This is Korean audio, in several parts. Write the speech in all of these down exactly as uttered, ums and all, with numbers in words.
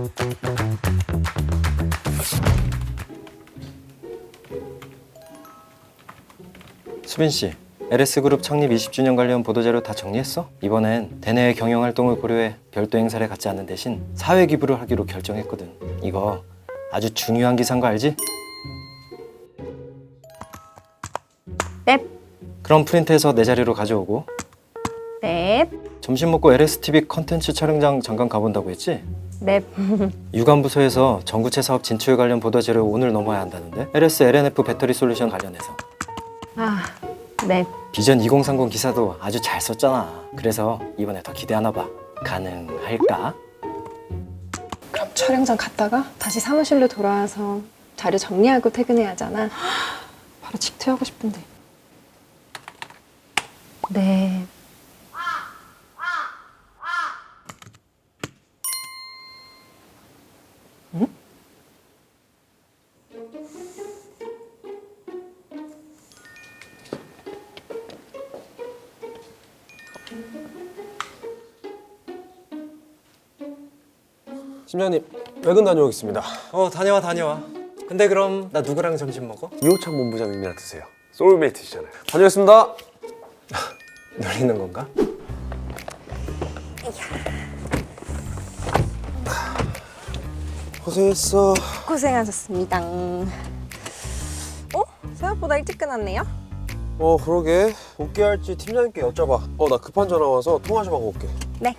수빈 씨, 엘에스그룹 창립 이십 주년 관련 보도자료 다 정리했어? 이번엔 대내외 경영활동을 고려해 별도 행사를 갖지 않는 대신 사회 기부를 하기로 결정했거든. 이거 아주 중요한 기사인 거 알지? 넵. 그럼 프린트해서 내 자리로 가져오고. 넵. 점심 먹고 엘에스티비 컨텐츠 촬영장 잠깐 가본다고 했지? 넵. 유관부서에서 전구체 사업 진출 관련 보도자료 오늘 넘어야 한다는데? 엘에스 엘엔에프 배터리 솔루션 관련해서. 아, 넵. 비전 이공삼공 기사도 아주 잘 썼잖아. 그래서 이번에 더 기대하나 봐. 가능할까? 그럼 촬영장 갔다가 다시 사무실로 돌아와서 자료 정리하고 퇴근해야 하잖아. 바로 직퇴하고 싶은데. 네. 팀장님, 외근 다녀오겠습니다. 어, 다녀와 다녀와. 근데 그럼 나 누구랑 점심 먹어? 이호창 본부장님이랑 드세요. 소울메이트시잖아요. 다녀오겠습니다. 놀리는 건가? 고생했어. 고생하셨습니다. 어? 생각보다 일찍 끝났네요? 어, 그러게. 복귀할지 팀장님께 여쭤봐. 어, 나 급한 전화 와서 통화 좀 하고 올게. 네.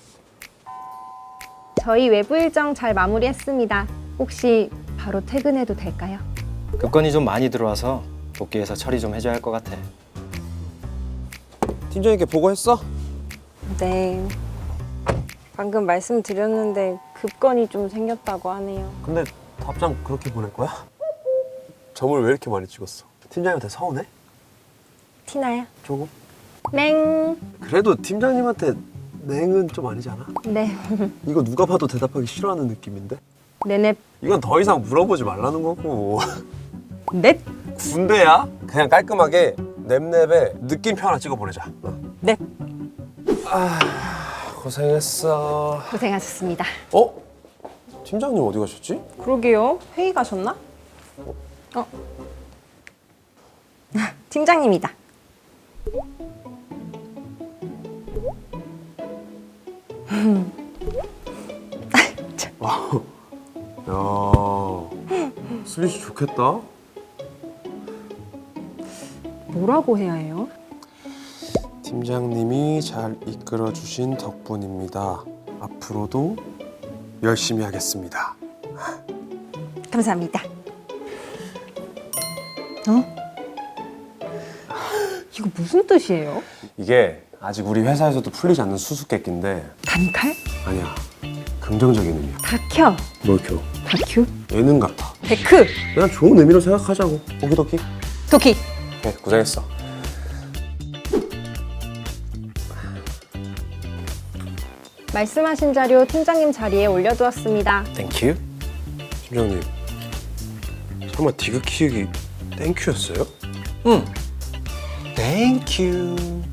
저희 외부 일정 잘 마무리했습니다. 혹시 바로 퇴근해도 될까요? 급건이 좀 많이 들어와서 복귀해서 처리 좀 해줘야 할 것 같아. 팀장님께 보고했어? 네. 방금 말씀드렸는데 급건이 좀 생겼다고 하네요. 근데 답장 그렇게 보낼 거야? 점을 왜 이렇게 많이 찍었어? 팀장님한테 서운해? 티나요? 조금? 맹. 그래도 팀장님한테 냉은 좀 아니잖아? 네. 이거 누가 봐도 대답하기 싫어하는 느낌인데? 네넵. 이건 더 이상 물어보지 말라는 거고. 넵. 군대야? 그냥 깔끔하게 냅냅에 느낌표 하나 찍어 보내자. 어. 넵. 아, 고생했어. 고생하셨습니다. 어? 팀장님 어디 가셨지? 그러게요. 회의 가셨나? 어? 팀장님이다. 와우. 야, 수빈 씨 좋겠다. 뭐라고 해야 해요? 팀장님이 잘 이끌어 주신 덕분입니다. 앞으로도 열심히 하겠습니다. 감사합니다. 어? 이거 무슨 뜻이에요? 이게 아직 우리 회사에서도 풀리지 않는 수수께끼인데 단칼? 아니야. 긍정적인 의미야. 다켜. 뭘 켜? 다큐? 예능 같아. 데크. 그냥 좋은 의미로 생각하자고. 오키도키. 도키. 네, 고생했어. 말씀하신 자료 팀장님 자리에 올려두었습니다. 땡큐. 팀장님, 설마 디귿 키우기 땡큐였어요? 응. 땡큐.